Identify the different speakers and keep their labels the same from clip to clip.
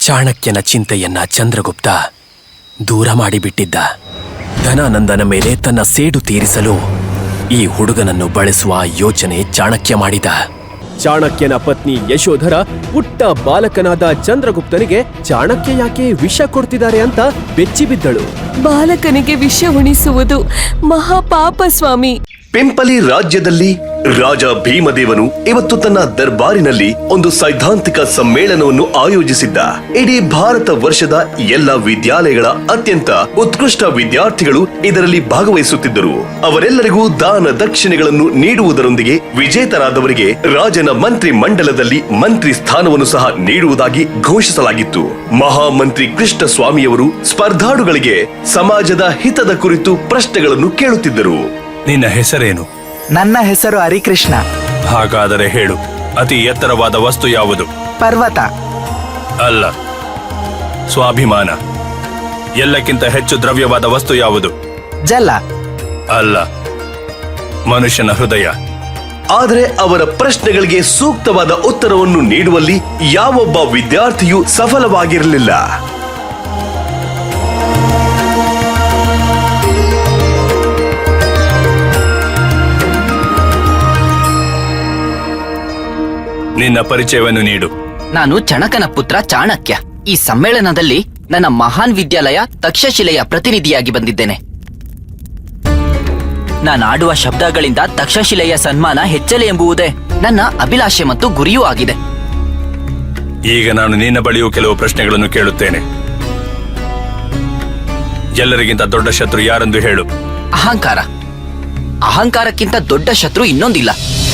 Speaker 1: ಚಾಣಕ್ಯನ ಚಿಂತೆಯನ್ನ ಚಂದ್ರಗುಪ್ತ ದೂರ ಮಾಡಿಬಿಟ್ಟಿದ್ದ. ಧನಾನಂದನ ಮೇಲೆ ತನ್ನ ಸೇಡು ತೀರಿಸಲು ಈ ಹುಡುಗನನ್ನು ಬಳಸುವ ಯೋಚನೆ ಚಾಣಕ್ಯ ಮಾಡಿದ.
Speaker 2: ಚಾಣಕ್ಯನ ಪತ್ನಿ ಯಶೋಧರ ಪುಟ್ಟ ಬಾಲಕನಾದ ಚಂದ್ರಗುಪ್ತನಿಗೆ ಚಾಣಕ್ಯ ಯಾಕೆ ವಿಷ ಕೊಡ್ತಿದ್ದಾರೆ ಅಂತ ಬೆಚ್ಚಿಬಿದ್ದಳು.
Speaker 3: ಬಾಲಕನಿಗೆ ವಿಷ ಉಣಿಸುವುದು ಮಹಾಪಾಪ ಸ್ವಾಮಿ.
Speaker 4: ಪಿಂಪಲಿ ರಾಜ್ಯದಲ್ಲಿ ರಾಜ ಭೀಮದೇವನು ಇವತ್ತು ತನ್ನ ದರ್ಬಾರಿನಲ್ಲಿ ಒಂದು ಸೈದ್ಧಾಂತಿಕ ಸಮ್ಮೇಳನವನ್ನು ಆಯೋಜಿಸಿದ್ದ. ಇಡೀ ಭಾರತ ವರ್ಷದ ಎಲ್ಲ ವಿದ್ಯಾಲಯಗಳ ಅತ್ಯಂತ ಉತ್ಕೃಷ್ಟ ವಿದ್ಯಾರ್ಥಿಗಳು ಇದರಲ್ಲಿ ಭಾಗವಹಿಸುತ್ತಿದ್ದರು. ಅವರೆಲ್ಲರಿಗೂ ದಾನ ದಕ್ಷಿಣೆಗಳನ್ನು ನೀಡುವುದರೊಂದಿಗೆ ವಿಜೇತರಾದವರಿಗೆ ರಾಜನ ಮಂತ್ರಿ ಮಂಡಲದಲ್ಲಿ ಮಂತ್ರಿ ಸ್ಥಾನವನ್ನು ಸಹ ನೀಡುವುದಾಗಿ ಘೋಷಿಸಲಾಗಿತ್ತು. ಮಹಾಮಂತ್ರಿ ಕೃಷ್ಣ ಸ್ವಾಮಿಯವರು ಸ್ಪರ್ಧಾಳುಗಳಿಗೆ ಸಮಾಜದ ಹಿತದ ಕುರಿತು ಪ್ರಶ್ನೆಗಳನ್ನು ಕೇಳುತ್ತಿದ್ದರು.
Speaker 5: ನಿನ್ನ ಹೆಸರೇನು?
Speaker 6: ನನ್ನ ಹೆಸರು ಹರಿಕೃಷ್ಣ.
Speaker 5: ಹಾಗಾದರೆ ಹೇಳು, ಅತಿ ಎತ್ತರವಾದ ವಸ್ತು ಯಾವುದು?
Speaker 6: ಪರ್ವತ.
Speaker 5: ಅಲ್ಲ. ಸ್ವಾಭಿಮಾನ. ಎಲ್ಲಕ್ಕಿಂತ ಹೆಚ್ಚು ದ್ರವ್ಯವಾದ ವಸ್ತು ಯಾವುದು?
Speaker 6: ಜಲ.
Speaker 5: ಅಲ್ಲ. ಮನುಷ್ಯನ ಹೃದಯ.
Speaker 4: ಆದರೆ ಅವರ ಪ್ರಶ್ನೆಗಳಿಗೆ ಸೂಕ್ತವಾದ ಉತ್ತರವನ್ನು ನೀಡುವಲ್ಲಿ ಯಾವೊಬ್ಬ ವಿದ್ಯಾರ್ಥಿಯೂ ಸಫಲವಾಗಿರಲಿಲ್ಲ.
Speaker 5: ನಿನ್ನ ಪರಿಚಯವನ್ನು ನೀಡು.
Speaker 7: ನಾನು ಚಣಕನ ಪುತ್ರ ಚಾಣಕ್ಯ. ಈ ಸಮ್ಮೇಳನದಲ್ಲಿ ನನ್ನ ಮಹಾನ್ ವಿದ್ಯಾಲಯ ತಕ್ಷಶಿಲೆಯ ಪ್ರತಿನಿಧಿಯಾಗಿ ಬಂದಿದ್ದೇನೆ. ನಾನಾಡುವ ಶಬ್ದಗಳಿಂದ ತಕ್ಷಶಿಲೆಯ ಸನ್ಮಾನ ಹೆಚ್ಚಲಿ ಎಂಬುವುದೇ ನನ್ನ ಅಭಿಲಾಷೆ ಮತ್ತು ಗುರಿಯೂ ಆಗಿದೆ.
Speaker 5: ಈಗ ನಾನು ನಿನ್ನ ಬಳಿಯೂ ಕೆಲವು ಪ್ರಶ್ನೆಗಳನ್ನು ಕೇಳುತ್ತೇನೆ. ಎಲ್ಲರಿಗಿಂತ ದೊಡ್ಡ ಶತ್ರು ಯಾರೆಂದು ಹೇಳು.
Speaker 7: ಅಹಂಕಾರ. ಅಹಂಕಾರಕ್ಕಿಂತ ದೊಡ್ಡ ಶತ್ರು ಇನ್ನೊಂದಿಲ್ಲ.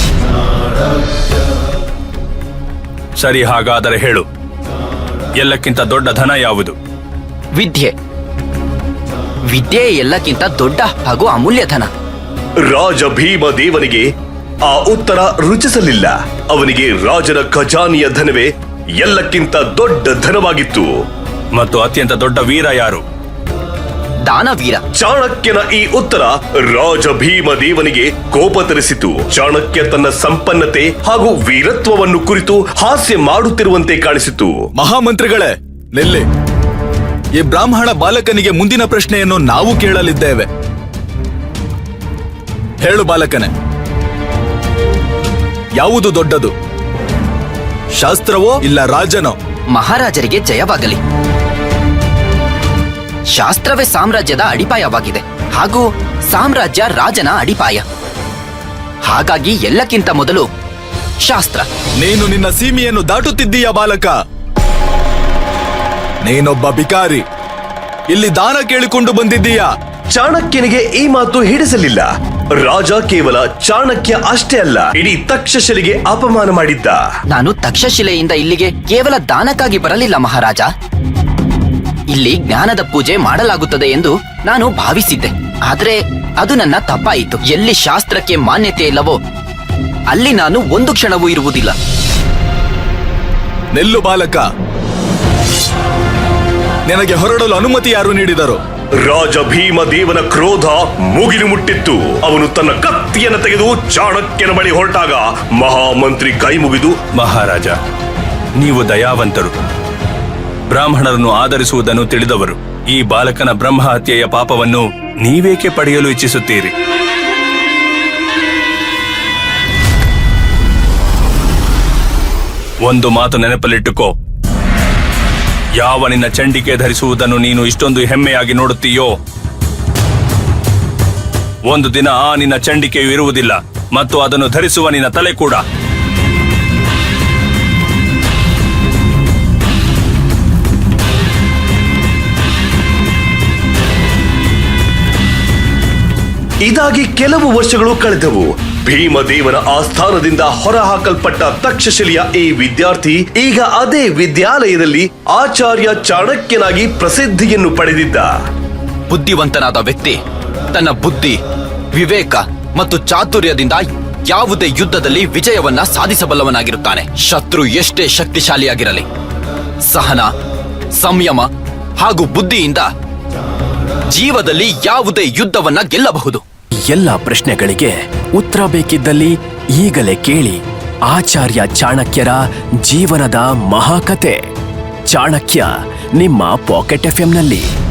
Speaker 5: ಸರಿ, ಹಾಗಾದರೆ ಹೇಳು, ಎಲ್ಲಕ್ಕಿಂತ ದೊಡ್ಡ ಧನ ಯಾವುದು?
Speaker 7: ವಿದ್ಯೆ. ವಿದ್ಯೆ ಎಲ್ಲಕ್ಕಿಂತ ದೊಡ್ಡ ಹಾಗೂ ಅಮೂಲ್ಯ ಧನ.
Speaker 4: ರಾಜ ಭೀಮದೇವನಿಗೆ ಆ ಉತ್ತರ ರುಚಿಸಲಿಲ್ಲ. ಅವನಿಗೆ ರಾಜನ ಖಜಾನೆಯ ಧನವೇ ಎಲ್ಲಕ್ಕಿಂತ ದೊಡ್ಡ ಧನವಾಗಿತ್ತು.
Speaker 5: ಮತ್ತು ಅತ್ಯಂತ ದೊಡ್ಡ ವೀರ ಯಾರು?
Speaker 7: ದಾನವೀರ.
Speaker 4: ಚಾಣಕ್ಯನ ಈ ಉತ್ತರ ರಾಜ ಭೀಮದೇವನಿಗೆ ಕೋಪ ತರಿಸಿತು. ಚಾಣಕ್ಯ ತನ್ನ ಸಂಪನ್ನತೆ ಹಾಗೂ ವೀರತ್ವವನ್ನು ಕುರಿತು ಹಾಸ್ಯ ಮಾಡುತ್ತಿರುವಂತೆ ಕಾಣಿಸಿತು.
Speaker 8: ಮಹಾಮಂತ್ರಿಗಳೇ, ನಿಲ್ಲಿ. ಈ ಬ್ರಾಹ್ಮಣ ಬಾಲಕನಿಗೆ ಮುಂದಿನ ಪ್ರಶ್ನೆಯನ್ನು ನಾವು ಕೇಳಲಿದ್ದೇವೆ. ಹೇಳು ಬಾಲಕನೇ, ಯಾವುದು ದೊಡ್ಡದು, ಶಾಸ್ತ್ರವೋ ಇಲ್ಲ ರಾಜನೋ?
Speaker 7: ಮಹಾರಾಜರಿಗೆ ಜಯವಾಗಲಿ. ಶಾಸ್ತ್ರವೇ ಸಾಮ್ರಾಜ್ಯದ ಅಡಿಪಾಯವಾಗಿದೆ ಹಾಗೂ ಸಾಮ್ರಾಜ್ಯ ರಾಜನ ಅಡಿಪಾಯ. ಹಾಗಾಗಿ ಎಲ್ಲಕ್ಕಿಂತ ಮೊದಲು ಶಾಸ್ತ್ರ.
Speaker 8: ನೀನು ನಿನ್ನ ಸೀಮೆಯನ್ನು ದಾಟುತ್ತಿದ್ದೀಯ ಬಾಲಕ. ನೀನೊಬ್ಬ ಬಿಕಾರಿ. ಇಲ್ಲಿ ದಾನ ಕೇಳಿಕೊಂಡು ಬಂದಿದ್ದೀಯಾ?
Speaker 4: ಚಾಣಕ್ಯನಿಗೆ ಈ ಮಾತು ಹಿಡಿಸಲಿಲ್ಲ. ರಾಜ ಕೇವಲ ಚಾಣಕ್ಯ ಅಷ್ಟೇ ಅಲ್ಲ, ಇಡೀ ತಕ್ಷಶಿಲೆಗೆ ಅಪಮಾನ ಮಾಡಿದ್ದ.
Speaker 7: ನಾನು ತಕ್ಷಶಿಲೆಯಿಂದ ಇಲ್ಲಿಗೆ ಕೇವಲ ದಾನಕ್ಕಾಗಿ ಬರಲಿಲ್ಲ ಮಹಾರಾಜ. ಇಲ್ಲಿ ಜ್ಞಾನದ ಪೂಜೆ ಮಾಡಲಾಗುತ್ತದೆ ಎಂದು ನಾನು ಭಾವಿಸಿದ್ದೆ. ಆದ್ರೆ ಅದು ನನ್ನ ತಪ್ಪಾಯಿತು. ಎಲ್ಲಿ ಶಾಸ್ತ್ರಕ್ಕೆ ಮಾನ್ಯತೆ ಇಲ್ಲವೋ ಅಲ್ಲಿ ನಾನು ಒಂದು ಕ್ಷಣವೂ ಇರುವುದಿಲ್ಲ.
Speaker 8: ನಿಲ್ಲು ಬಾಲಕ. ನಿನಗೆ ಹೊರಡಲು ಅನುಮತಿ ಯಾರು ನೀಡಿದರು?
Speaker 4: ರಾಜ ಭೀಮದೇವನ ಕ್ರೋಧ ಮುಗಿಲು ಮುಟ್ಟಿತ್ತು. ಅವನು ತನ್ನ ಕತ್ತಿಯನ್ನು ತೆಗೆದು ಚಾಣಕ್ಯನ ಬಳಿ ಹೊರಟಾಗ ಮಹಾಮಂತ್ರಿ ಕೈ ಮುಗಿದು,
Speaker 5: ಮಹಾರಾಜ, ನೀವು ದಯಾವಂತರು, ಬ್ರಾಹ್ಮಣರನ್ನು ಆಧರಿಸುವುದನ್ನು ತಿಳಿದವರು. ಈ ಬಾಲಕನ ಬ್ರಹ್ಮಹತ್ಯೆಯ ಪಾಪವನ್ನು ನೀವೇಕೆ ಪಡೆಯಲು ಇಚ್ಛಿಸುತ್ತೀರಿ? ಒಂದು ಮಾತು ನೆನಪಲ್ಲಿಟ್ಟುಕೋ. ಯಾವ ನಿನ್ನ ಚಂಡಿಕೆ ಧರಿಸುವುದನ್ನು ನೀನು ಇಷ್ಟೊಂದು ಹೆಮ್ಮೆಯಾಗಿ ನೋಡುತ್ತೀಯೋ, ಒಂದು ದಿನ ಆ ನಿನ್ನ ಚಂಡಿಕೆಯು ಇರುವುದಿಲ್ಲ ಮತ್ತು ಅದನ್ನು ಧರಿಸುವ ನಿನ್ನ ತಲೆ ಕೂಡ.
Speaker 4: ಇದಾಗಿ ಕೆಲವು ವರ್ಷಗಳು ಕಳೆದವು. ಭೀಮದೇವನ ಆಸ್ಥಾನದಿಂದ ಹೊರಹಾಕಲ್ಪಟ್ಟ ತಕ್ಷಶಿಲೆಯ ಈ ವಿದ್ಯಾರ್ಥಿ ಈಗ ಅದೇ ವಿದ್ಯಾಲಯದಲ್ಲಿ ಆಚಾರ್ಯ ಚಾಣಕ್ಯನಾಗಿ ಪ್ರಸಿದ್ಧಿಯನ್ನು ಪಡೆದಿದ್ದ.
Speaker 7: ಬುದ್ಧಿವಂತನಾದ ವ್ಯಕ್ತಿ ತನ್ನ ಬುದ್ಧಿ, ವಿವೇಕ ಮತ್ತು ಚಾತುರ್ಯದಿಂದ ಯಾವುದೇ ಯುದ್ಧದಲ್ಲಿ ವಿಜಯವನ್ನ ಸಾಧಿಸಬಲ್ಲವನಾಗಿರುತ್ತಾನೆ. ಶತ್ರು ಎಷ್ಟೇ ಶಕ್ತಿಶಾಲಿಯಾಗಿರಲಿ, ಸಹನ, ಸಂಯಮ ಹಾಗೂ ಬುದ್ಧಿಯಿಂದ ಜೀವದಲ್ಲಿ ಯಾವುದೇ ಯುದ್ಧವನ್ನ ಗೆಲ್ಲಬಹುದು.
Speaker 1: ಎಲ್ಲ ಪ್ರಶ್ನೆಗಳಿಗೆ ಉತ್ತರ ಬೇಕಿದ್ದಲ್ಲಿ ಈಗಲೇ ಕೇಳಿ ಆಚಾರ್ಯ ಚಾಣಕ್ಯರ ಜೀವನದ ಮಹಾಕತೆ. ಚಾಣಕ್ಯ ನಿಮ್ಮ ಪಾಕೆಟ್ ಎಫ್ಎಂನಲ್ಲಿ